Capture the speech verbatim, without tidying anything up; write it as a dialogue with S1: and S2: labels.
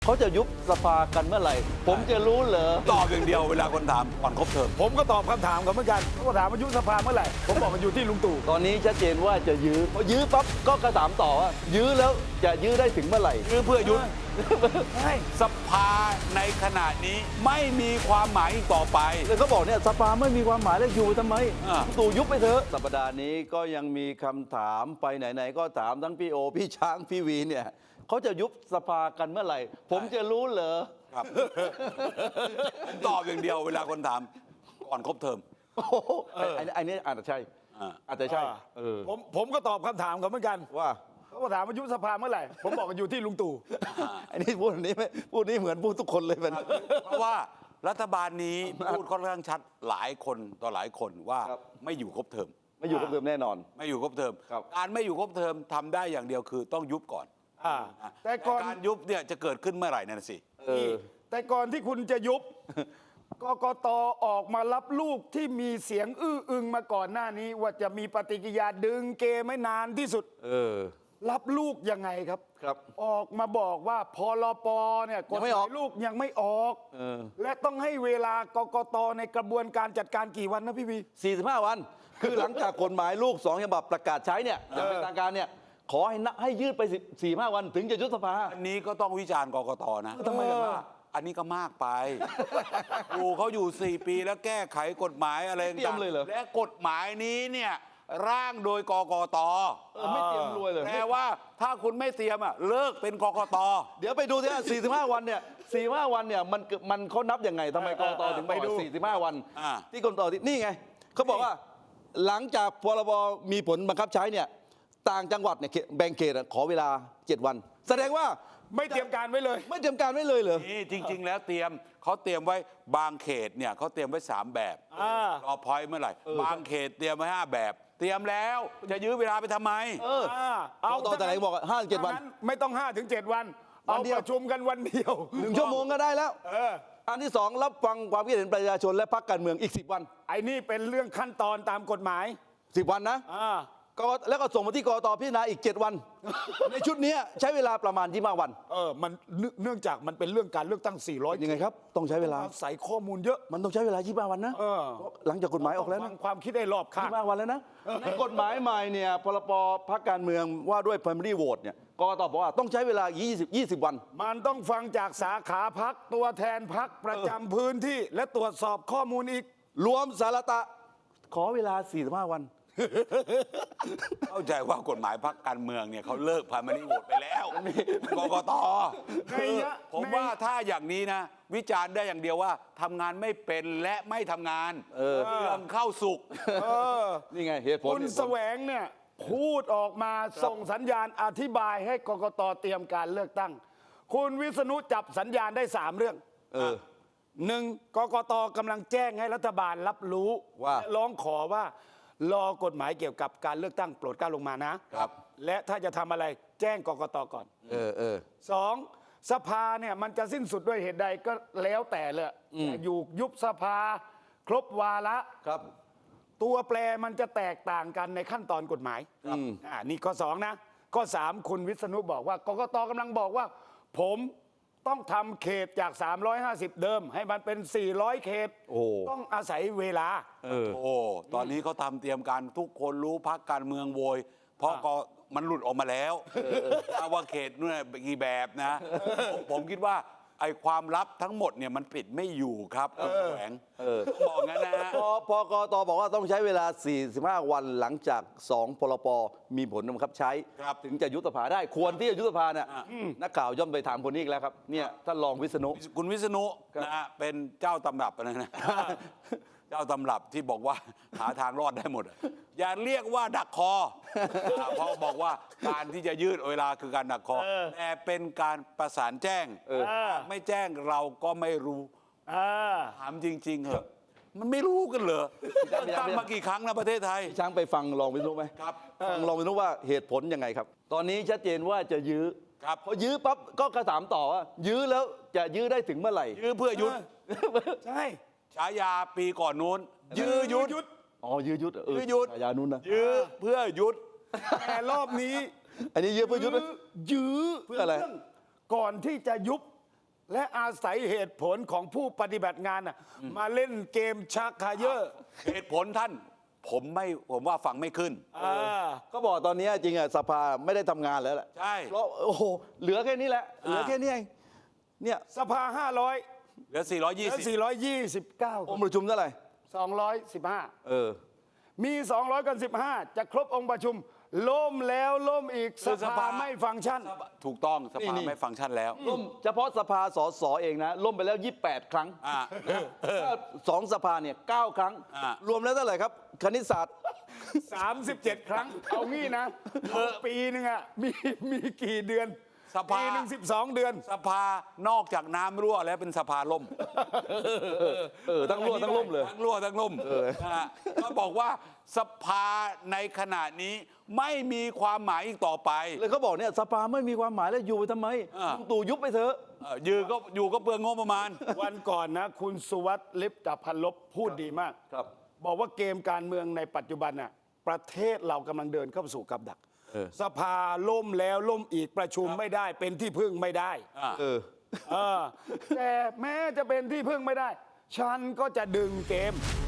S1: เขาจะยุบสภากันเมื่อไหร่ผมจะรู้เหรอ
S2: ตอบอย่างเดียวเวลาคนถามก่อนครบเทอม
S3: ผมก็ตอบคำถามเขาเหมือนกันเขาก็ถามว่ายุบสภาเมื่อไหร่ผมบอกมันอยู่ที่ลุงตู่
S1: ตอนนี้ชัดเจนว่าจะยื้อพอยื้อปั๊บก็กระถามต่อว่ายื้อแล้วจะยื้อได้ถึงเมื่อไหร่
S2: ยื้อเพื่อยุบ
S3: ใช่
S2: สภาในขณะนี้ไม่มีความหมายอีกต่อไป
S1: แล้วเขาบอกเนี่ยสภาไม่มีความหมายแล้วอยู่ทำไม
S2: อ่า
S1: ตู่ยุบไปเถอะสัปดาห์นี้ก็ยังมีคำถามไปไหนๆก็ถามทั้งพี่โอพี่ช้างพี่วีเนี่ยเขาจะยุบสภากันเมื่อไหร่ผมจะรู้เหรอ
S2: ครับผมตอบอย่างเดียวเวลาคนถามก่อนครบเทอม
S1: โอ้โหอันนี้อันนี้อาจจะใช่
S2: อ่า
S1: อาจจะใช่เออ
S3: ผมผมก็ตอบคำถามเขาเหมือนกัน
S1: ว่า
S3: เขาก็ถามว่ายุบสภาเมื่อไหร่ผมบอกมันอยู่ที่ลุงตู่
S1: อันนี้พูดอันนี้ไม่พูดนี้เหมือนพูดทุกคนเลยเป็น
S2: เพราะว่ารัฐบาลนี้พูดค่อนข้างชัดหลายคนต่อหลายคนว่า
S1: ครับ
S2: ไม่อยู่ครบเทอม
S1: ไม่อยู่กับเดิมแน่นอน
S2: ไม่อยู่ครบเทอม
S1: ครับ
S2: การไม่อยู่ครบเทอมทำได้อย่างเดียวคือต้องยุบก่อน
S3: อ่า
S2: อ่ะ
S3: แต่ก่อน
S2: การยุบเนี่ยจะเกิดขึ้นเมื่อไหร่นั่นสิ
S1: เออ
S3: แต่ก่อนที่คุณจะยุบ กกตออกมารับลูกที่มีเสียงอื้ออึงมาก่อนหน้านี้ ว่าจะมีปฏิกิริยาดึงเกไม่นานที่สุด
S1: เออ
S3: รับลูกยังไงครับ
S1: ครับ
S3: ออกมาบอกว่าพรปเนี่ยก
S1: ยั
S3: ฎ
S1: ง
S3: ห
S1: ไม่อ
S3: มา
S1: อก
S3: ยลูกยังไม่ออก
S1: เออ
S3: และต้องให้เวลากกตในกระบวนการจัดการกี่วันนะพี่วี
S1: สี่สิบห้า วัน คือหลังจากกฎหมายลูกสองฉบับประกาศใช้เนี่ยอย่างเป็นทางการเนี่ยขอให้นะให้ยืดไปสี่ห้าวันถึงจะยุบสภา
S2: อันนี้ก็ต้องวิจารณ์กกตนะ
S1: ทำไมล่ะ
S2: ว่าอันนี้ก็มากไป อยู่เขาอยู่สี่ปีแล้วแก้ไขกฎหมายอะไร
S1: เตรียมเลยเหรอ
S2: และกฎหมายนี้เนี่ยร่างโดยกกต
S1: เออไม่เตรียมรวยเลย
S2: แปลว่าถ้าคุณไม่เตรียมอ่ะเลิกเป็นกกต
S1: เดี๋ยวไปดูสิว่าสี่สิบห้า วันเนี่ยสี่สิบห้า วันเนี่ยมันมันเขานับยังไงทำไมกรตถึงไปดูสี่สิบห้า วัน
S2: อ่า
S1: ที่กรตที่นี่ไงเขาบอกว่าหลังจากพรบมีผลบังคับใช้เนี่ยต่างจังหวัดเนี่ยแบ่งเขตอะขอเวลาเจ็ดวัน แสดงว่า
S3: ไม่เตรียมการไว้เลย
S1: ไม่เตรียมการไว้เลยเหรอ
S2: นี่จริง ๆ แล้วเตรียมเขาเตรียมไว้บางเขตเนี่ยเขาเตรียมไว้สามแบบ
S3: อ่าร
S2: อพอยต์เมื่อไหร่บางเขตเตรียมไว้ห้าแบบ เตรียมแล้วจะยื้อเวลาไปทำไม
S1: เออ
S3: เอา
S1: กกตแต่ไหนบอกห้าถึงเจ็ดวัน
S3: ถ้างั้ไม่ต้องห้าถึงเจ็ดวัน
S1: วั
S3: เอา
S1: นเดียว
S3: ประชุมกันวันเดียว
S1: หนึ่งชั่วโมงก็ได้แล้ว
S3: เออ
S1: อันที่สองรับฟังความคิดเห็นประชาชนและพรรคการเมืองอีกสิบวัน
S3: ไอ้นี่เป็นเรื่องขั้นตอนตามกฎหมาย
S1: สิบวันนะ
S3: อ่า
S1: ก็แล้วก็ส่งมาที่กรตพิจารณาอีกเจ็ดวัน ในชุดเนี้ยใช้เวลาประมาณยี่สิบห้าวัน
S3: เออมันเนื่องเนื่องจากมันเป็นเรื่องการเลือกตั้งสี่ร้อย
S1: ยังไงครับต้องใช้เวลา
S3: ใส่ข้อมูลเยอะ
S1: มันต้องใช้เวลายี่สิบห้าวันนะ
S3: เออ
S1: หลังจากกฎหมายออกแล้ว
S3: ฟั
S1: นะ
S3: งความคิดได้รอบข้าง
S1: ยี่สิบห้าวันแล้วนะในกฎหมายใหม่เนี่ยพรบพรรคการเมืองว่าด้วย primary vote เนี่ยกกตบอกว่าต้องใช้เวลายี่สิบ ยี่สิบวัน
S3: มันต้องฟังจากสาขาพักตัวแทนพักประจำพื้นที่ และตรวจสอบข้อมูลอีก
S1: รวมสารตะขอเวลาสี่สิบห้าวัน
S2: เข้าใจว่ากฎหมายพรรคการเมืองเนี่ยเขาเลิกพามานิโหวตไปแล้วกกต
S3: ในยะ
S2: ผมว่าถ้าอย่างนี้นะ วิจารณ์ได้อย่างเดียวว่าทำงานไม่เป็นและไม่ทำงาน
S1: เออ
S2: เรื่องเข้าสุก
S3: เออ
S1: นี่ไงเหตุผล
S3: คุณ
S1: เหตุผล
S3: แสวงเนี่ยพูดออกมาส่งสัญญาณอธิบายให้กกตเตรียมการเลือกตั้ง คุณวิษณุจับสัญญาณได้สามเรื่อง
S1: เออ
S3: หนึ่งกกตกำลังแจ้งให้รัฐบาลรับรู้
S1: ว่า
S3: และร้องขอว่ารอกฎหมายเกี่ยวกับการเลือกตั้งโปรดเกล้าลงมานะครับ และถ้าจะทำอะไรแจ้งกกตก่อน
S1: เออเออ
S3: สองสภาเนี่ยมันจะสิ้นสุดด้วยเหตุใดก็แล้วแต่เลยจะอยู่ยุบสภาครบวาระ
S1: ครับ
S3: ตัวแปรมันจะแตกต่างกันในขั้นตอนกฎหมาย
S1: ครับ
S3: อ่านี่ข้อสองนะข้อสามคุณวิษณุบอกว่ากกตกำลังบอกว่า ผมต้องทำเขตจาก สามร้อยห้าสิบ เดิม ให้มันเป็น สี่ร้อย เขต
S1: โอ้
S3: ต้องอาศัยเวลา
S1: เออ
S2: โอ้ ตอนนี้เขาทำเตรียมการทุกคนรู้พักการเมืองโวย เพราะก็มันหลุดออกมาแล้วว่าเขตนู่นกี่แบบนะผมผมคิดว่าไอ้ความลับทั้งหมดเนี่ยมันปิดไม่อยู่ครับคุณแสวง
S1: เออ
S2: ต้องบอกงั้นนะฮะ
S1: พอพอกตบอกว่าต้องใช้เวลา สี่สิบห้า วันหลังจากสองพรบมีผลบังคับใช้
S2: ครับ
S1: ถึงจะยุบสภาได้ควรที่จะยุบสภาเนี่ย
S2: อ่า
S1: นักข่าวย่อมไปถามคนนี้อีกแล้วครับเนี่ยท่านรองวิษณุ
S2: คุณวิษณุ
S1: ครับ
S2: นะฮะเป็นเจ้าตำรับอะไรนะ เจ้าตำรับที่บอกว่าหาทางรอดได้หมดอะอย่าเรียกว่าดักคออ่าเพราะบอกว่าการที่จะยืดเวลาคือการดักคอแต่เป็นการประสานแจ้ง
S1: เออ
S2: ไม่แจ้งเราก็ไม่รู้
S3: อ่า
S2: ถามจริงๆเหอะมันไม่รู้กันเหรอตั้งมากี่ครั้งนะประเทศไทย
S1: ช้างไปฟังรองวิษณุไหม
S2: ครับ
S1: ฟังรองวิษณุว่าเหตุผลยังไงครับ ตอนนี้ชัดเจนว่าจะยื้อ
S2: ครับ
S1: พอยื้อปั๊บก็กระถามต่อว่า ยื้อแล้วจะยื้อได้ถึงเมื่อไหร่
S2: ยื้อเพื่อยุด
S3: ใช่
S2: ฉายาปีก่อนนู้น ยื้อยุด
S3: ยุด
S1: อ๋อยื้อยุดเออ
S2: ยื้อยุด
S1: ฉายานุ่นนะ
S2: ยื้อเพื่อยุด
S3: แต่รอบนี้
S1: อันนี้ยื้อเพื่อยุดไหม
S3: ยื้อ
S1: เพื่ออะไร
S3: ก่อนที่จะยุบและอาศัยเหตุผลของผู้ปฏิบัติงานน่ะมาเล่นเกมชักเขยอ
S2: เหตุผลท่าน ผมไม่ผมว่าฟังไม่ขึ้น
S3: อ่า
S1: ก็บอกตอนนี้จริงอ่ะสภาไม่ได้ทำงานแล้วแหละ
S2: ใช่
S1: เพราะโอ้โหเหลือแค่นี้แหละเหลือแค่นี้เองเนี่ย
S3: สภาห้าร้อย
S2: เหลือ สี่ร้อยยี่
S3: และ
S2: สิบ
S3: สี่ร้อยยี่สิบเก้า
S1: องค์ประชุมเท่าไหร่
S3: สองร้อยสิบห้า
S1: เออ
S3: มีสองร้อยกันสิบห้าจะครบองค์ประชุมล่มแล้วล่มอีกสภาไม่ฟังก์ชัน
S2: ถูกต้องส
S1: นี่
S2: ภา
S1: นี่
S2: ไม่ฟังก์ชันแล้ว
S1: ล่มเฉพาะสภาสสเองนะล่มไปแล้วยี่สิบแปดครั้ง
S2: อ่า
S1: ถ้าสองสภาเนี่ยเก้าครั้ง
S2: อ่าร
S1: วมแล้วเท่าไหร่ครับคณิตศาสตร์
S3: สามสิบเจ็ด ครั้ง เอางี้นะปีหนึงอ่ะมีมีกี่เดือน
S2: สภา
S3: ปีหนึ่งสิบสองเดือน
S2: สภานอกจากน้ำรั่วแล้วเป็นสภาล่ม
S1: เออทั้งรั่วทั้งล่มเลย
S2: ทั้งรั่วทั้งล่มนะฮะก็บอกว่าสภาในขณะนี้ไม่มีความหมายอีกต่อไป
S1: เลยเขาบอกเนี่ยสภาไม่มีความหมายแล้วอยู่ไปทำไม
S2: อ่า
S1: ลุงตู่ยุบไปเถอะ
S2: เอ่อยือก็อยู่ก็เปลืองงบประมาณ
S3: วันก่อนนะ คุณสุวัสดิ์ลิปตพันลบพูดดีมาก
S1: ครับ
S3: บอกว่าเกมการเมืองในปัจจุบันน่ะประเทศเรากำลังเดินเข้าสู่กับดัก
S1: เออ
S3: สภาล่มแล้วล่มอีกประชุมไม่ได้เป็นที่พึ่งไม่ได้
S2: อ่า
S1: เออ
S3: เออแต่แม้จะเป็นที่พึ่งไม่ได้ ฉันก็จะดึงเกม